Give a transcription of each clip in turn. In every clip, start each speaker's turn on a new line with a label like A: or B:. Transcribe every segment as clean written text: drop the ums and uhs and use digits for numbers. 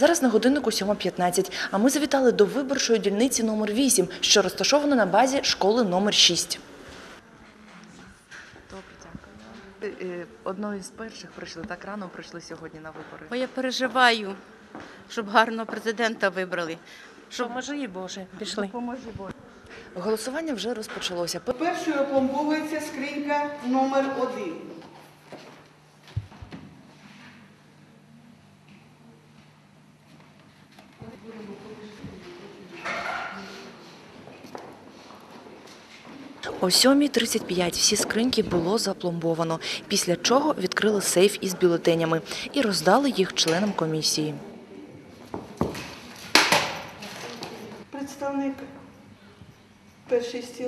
A: Зараз на годиннику 7:15, а ми завітали до виборчої дільниці номер 8, що розташована на базі школи номер 6. Одною з перших прийшли, так рано прийшли сьогодні на вибори.
B: Бо я переживаю, щоб гарного президента вибрали.
C: Поможи, Боже, пішли.
A: Голосування вже розпочалося.
D: Першою опломбовується скринька номер 1.
A: О 7:35 всі скриньки було запломбовано, після чого відкрили сейф із бюлетенями і роздали їх членам комісії.
D: Представник перший стіл.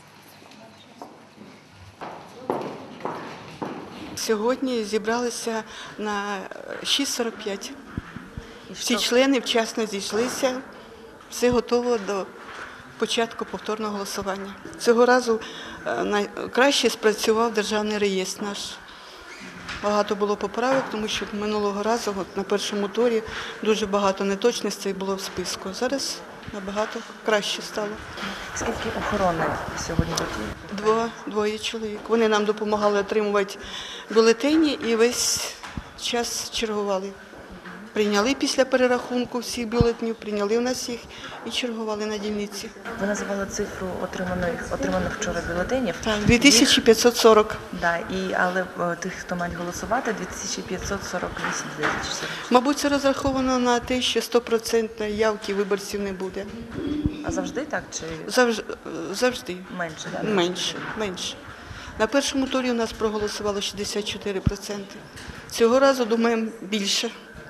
D: Сьогодні зібралися на 6:45. Всі члени вчасно зійшлися, все готово до початку повторного голосування. Цього разу найкраще спрацював державний реєстр наш. Багато було поправок, тому що минулого разу на першому турі дуже багато неточностей було в списку. Зараз набагато краще стало.
A: Скільки охорони сьогодні тут?
D: Двоє чоловік. Вони нам допомагали отримувати бюлетені і весь час чергували. Прийняли після перерахунку всіх бюлетенів, прийняли в нас їх і чергували на дільниці.
A: Ви називали цифру отриманих вчора бюлетенів?
D: Так, 2540.
A: Да, але тих, хто мають голосувати, 2548, здається.
D: Мабуть, це розраховано на те, що 100% явки виборців не буде.
A: А завжди так чи
D: Завжди.
A: менше? Да?
D: Менше. На першому турі у нас проголосувало 64%. Цього разу, думаємо, більше.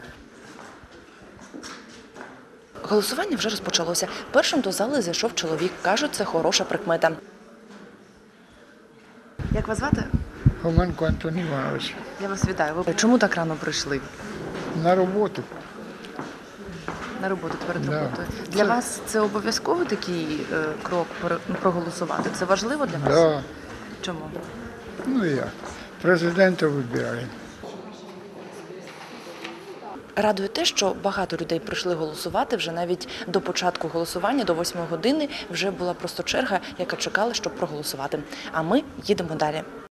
A: Голосування вже розпочалося. Першим до зали зайшов чоловік. Кажуть, це хороша прикмета. Як вас звати?
E: Хоменко Антон Іванович.
A: Я вас вітаю. Ви чому так рано прийшли?
E: На роботу.
A: На роботу, перед
E: Да.
A: роботою. Для вас це обов'язково такий крок проголосувати? Це важливо для вас?
E: Да.
A: Чому?
E: Ну як? Президента вибираємо.
A: Радує те, що багато людей прийшли голосувати вже навіть до початку голосування, до 8 години вже була просто черга, яка чекала, щоб проголосувати. А ми їдемо далі.